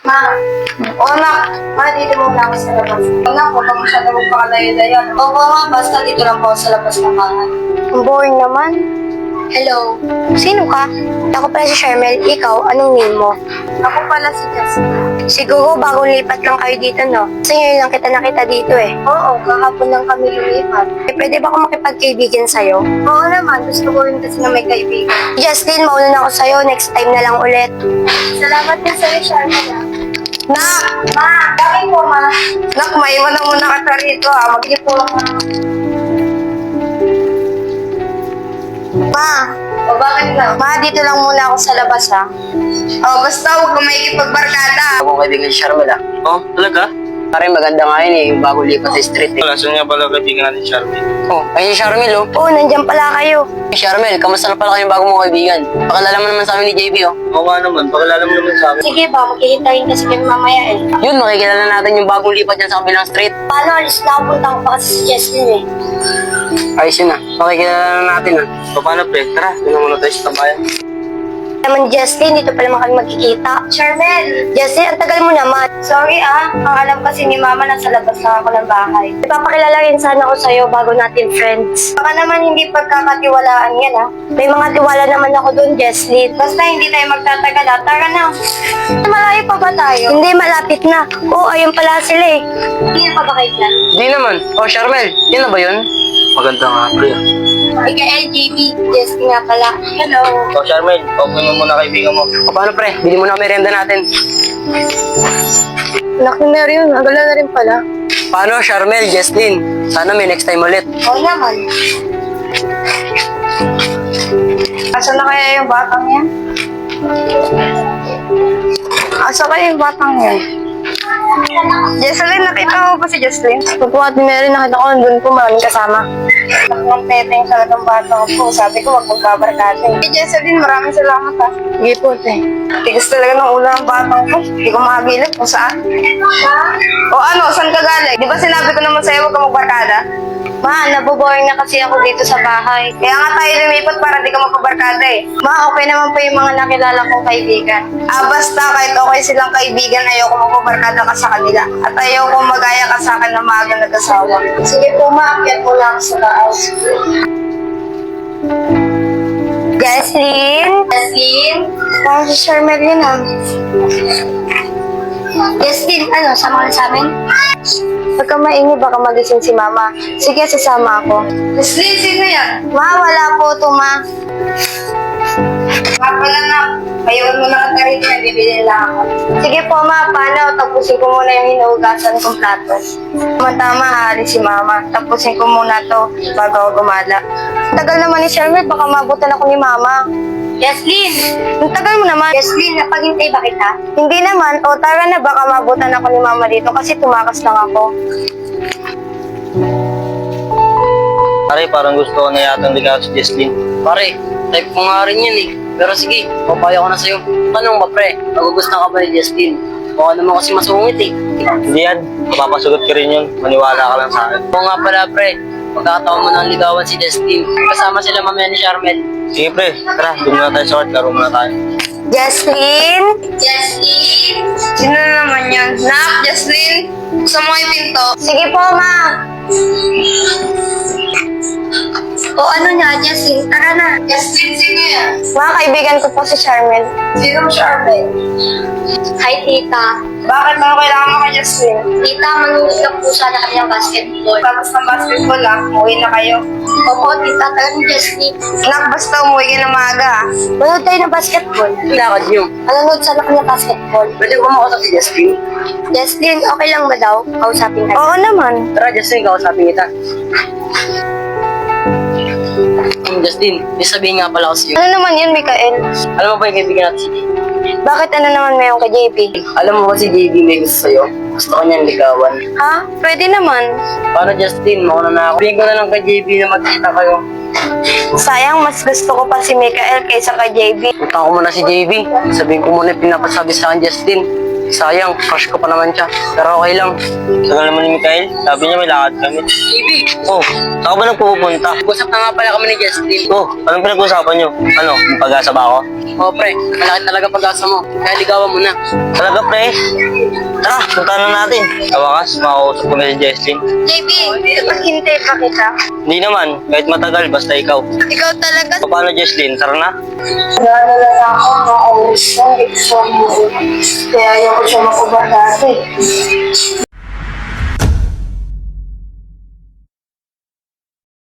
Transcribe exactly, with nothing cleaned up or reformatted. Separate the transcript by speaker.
Speaker 1: Ma, o anak, ma, dito muna ako sa labas. Anak, huwag kang masyado magpakalayo-layo. Opo ma, basta dito lang po ako sa labas ng bahay.
Speaker 2: Ang boring naman.
Speaker 1: Hello,
Speaker 2: Sino ka? Ako pala si Charmel. Ikaw, anong name mo?
Speaker 1: ako pala si Jessica.
Speaker 2: Siguro bagong lipat lang kayo dito, no? Kasi ngayon lang kita nakita dito eh.
Speaker 1: Oo, kahapon lang kami lumipat.
Speaker 2: Eh, pwede ba ako makipagkaibigan sa'yo?
Speaker 1: Oo naman, gusto ko rin kasi na may kaibigan.
Speaker 2: Justin, mauna na ako sa'yo. Next time na lang ulit.
Speaker 1: Salamat din sa'yo, Charmel.
Speaker 2: Nak!
Speaker 1: Ma, bakit po ma?
Speaker 2: Nak, maiwan na muna kita rito ah.
Speaker 1: Mag-ipo lang ma.
Speaker 2: Ma!
Speaker 1: O bakit na?
Speaker 2: Ma, dito lang muna ako sa labas ah.
Speaker 1: O basta huwag kang maikipagbarkada.
Speaker 3: Ako kaibigan si Charmel ah.
Speaker 4: Oh, talaga?
Speaker 3: Pare, maganda nga yun eh, yung bago lipat sa street eh.
Speaker 4: Wala, saan nga pala kaibigan natin, Charmy?
Speaker 3: Oh, ayun si Charmel oh.
Speaker 2: Oo, nandyan pala kayo.
Speaker 3: Hey Charmel, kamusta na pala kayong bago mong kaibigan? Pakilala mo naman sa amin ni J B oh.
Speaker 4: Oo nga naman, pakilala mo naman sa akin.
Speaker 2: Sige ba, magkihintayin kasi kami mamaya eh.
Speaker 3: Yun, makikilala natin yung bagong lipat dyan sa kabilang street.
Speaker 2: Paano, alis na ako, punta ko pa kasi si Justin eh.
Speaker 3: Ayos yun ah, makikilala na natin ah.
Speaker 4: So, paano pre? Tara, doon na muna tayo sa tambayan.
Speaker 2: Naman Justin, dito pala kami magkikita.
Speaker 1: Charmel,
Speaker 2: Justin, ang tagal mo naman.
Speaker 1: sorry ah. Ang alam kasi ni Mama nasa labas lang ako ng bahay.
Speaker 2: Ipapakilala rin sana ako sa'yo bago natin friends.
Speaker 1: Baka naman hindi pagkakatiwalaan yan ah.
Speaker 2: May mga tiwala naman ako doon, Jesslyn.
Speaker 1: Basta hindi tayo magtatagal ah. Tara na. Malayo pa ba tayo?
Speaker 2: Hindi, malapit na. Oo, ayun pala sila eh.
Speaker 1: Hindi pa ba kayo dyan?
Speaker 3: Di naman. Oh Charmel, yun na ba yun?
Speaker 4: Maganda nga pre ah.
Speaker 1: Mikael, J B, Jess nga pala. Hello.
Speaker 4: So, Charmel, open mo muna kaibigan mo.
Speaker 3: O paano pre, bili mo na ang merienda natin.
Speaker 2: Laki na rin, agala na rin pala.
Speaker 3: Paano Charmel, Jesslyn? Sana may next time ulit.
Speaker 1: Oo naman. Asa na kaya yung batang yan? Asa kaya yung batang yan? Jesselyn, nakita mo ba si Jesselyn?
Speaker 2: Opo, Ate Mary, nakita ko nandun po maraming kasama.
Speaker 1: Ang teteng sa ng batang po. Sabi ko, wag magbabarkada. Eh, Jesselyn, maraming salamat ha.
Speaker 2: Sige po, te.
Speaker 1: Tigas talaga ng ulo ng batang ko. Hindi ko makagilip kung saan. O ano, saan ka galing? Di ba sinabi ko naman sa'yo, wag ka magbarkada?
Speaker 2: Ma, naboboring na kasi ako dito sa bahay.
Speaker 1: Kaya nga tayo lumipat para di ka magpabarkada eh.
Speaker 2: Ma, okay naman po yung mga nakilala kong kaibigan.
Speaker 1: Ah, basta kahit okay silang kaibigan, ayoko magpabarkada ka sa kanila. At ayoko magaya ka sa akin na maaga nag-asawa. Sige po, maakyat mo lang sa taas.
Speaker 2: Jesslyn?
Speaker 1: Jesselyn?
Speaker 2: Parang si Charmel yun ah. Jesslyn, ano, sama ka sa amin? Pag ka maingi, baka magising si Mama. Sige, sasama ako.
Speaker 1: Jesselyn, sino yan?
Speaker 2: Ma, wala po to, Ma.
Speaker 1: Nga pala na, mayroon mo na ka rito, bibili lang ako.
Speaker 2: Sige po, Ma. Paano? Tapusin ko muna yung hinugasan kong plato. Tama-tama, aalis si Mama. Tapusin ko muna to bago ako gumala. Tagal naman ni Charmel, baka mabutan ako ni Mama. Jesslyn! Ang tagal mo naman.
Speaker 1: Jesselyn, napaghintay ba kita?
Speaker 2: Hindi naman. O, tara na. Baka mabutan ako ni Mama dito kasi tumakas lang ako.
Speaker 4: Pare, parang gusto ko na yatang ligaw si Jesslyn.
Speaker 3: Pare, type ko nga rin yan eh. Pero sige, papayo ko na sa'yo. Tanong ba pre, magugustuhan ka ba ni Jesslyn? Mukha naman kasi masungit eh.
Speaker 4: Hindi yan, mapapasugot ka rin yun. Maniwala ka lang sa akin.
Speaker 3: Oo nga pala pre, pagkakataon mo nang ligawan si Jesslyn. Kasama sila mamaya ni Charmel.
Speaker 4: Sige pre, tara, doon muna tayo sa court. Laro muna tayo.
Speaker 2: Jesslyn?
Speaker 1: Jesselyn? Sino na naman yan? Nak, Jesselyn? Sa mo yung pinto?
Speaker 2: Sige po, Ma. O ano niya, Jesslyn? Tara na.
Speaker 1: Jesselyn, sino yan?
Speaker 2: Mga kaibigan ko po si Charmel.
Speaker 1: Sino mo siya, Arben?
Speaker 2: Hi, Tita.
Speaker 1: Bakit mo kailangan mo kay Jesselyn?
Speaker 2: Tita, manunod lang po sana kami ng basketball.
Speaker 1: Tapos ng basketball ah, umuwi na kayo.
Speaker 2: Opo, Tita, talagang Jesslyn.
Speaker 1: Nak, basta umuwi ka na maaga ah.
Speaker 2: Manood tayo ng basketball.
Speaker 3: Lakad niyo.
Speaker 2: Manood sana kami ng basketball.
Speaker 3: Pwede ko makausap si Jesslyn?
Speaker 2: Jesslyn, okay lang ba daw? Kausapin ka.
Speaker 1: Oo naman.
Speaker 3: Tara Jesslyn, kausapin kita. Um, Justin, may sabihin nga pala ako sa'yo.
Speaker 2: Ano naman yun, Mikael?
Speaker 3: Alam mo ba yung kaibigan natin si J B?
Speaker 2: Bakit ano naman mayroon kay J P?
Speaker 3: Alam mo ba si J B may gusto sa'yo? Gusto ko niyang ligawan.
Speaker 2: Ha? Pwede naman.
Speaker 3: Paano Justin, mauna na ako. Sabihin ko na lang kay J B na magkita kayo.
Speaker 2: Sayang, mas gusto ko pa si Mikael kaysa kay J B.
Speaker 3: Punta ko muna si J B. Sabihin ko muna yung pinapasabi sa akin Justin. Sayang, crush ko pa naman siya. Pero okay lang.
Speaker 4: Tagal naman ni Mikael. Sabi niya may lakad kami.
Speaker 3: J B,
Speaker 4: Oh, saan ka ba nagpupunta?
Speaker 3: usap na nga pala kami ni Justin.
Speaker 4: Oh, anong pinag-uusapan niyo? Ano, may pag-asa ba ako?
Speaker 3: Oo pre, malaki talaga pag-asa mo. Kaya ligawan mo na.
Speaker 4: Talaga, pre? Tara, punta na natin. Sa wakas, makakausap ko na si Jesslyn.
Speaker 2: J B, naghintay pa kita.
Speaker 4: Hindi naman, kahit matagal, basta ikaw.
Speaker 2: Ikaw talaga.
Speaker 4: O, paano, Jesslyn? Tara na.
Speaker 1: Naalala na ako na always na exam mo. Kaya ayaw ko siya makubar dati.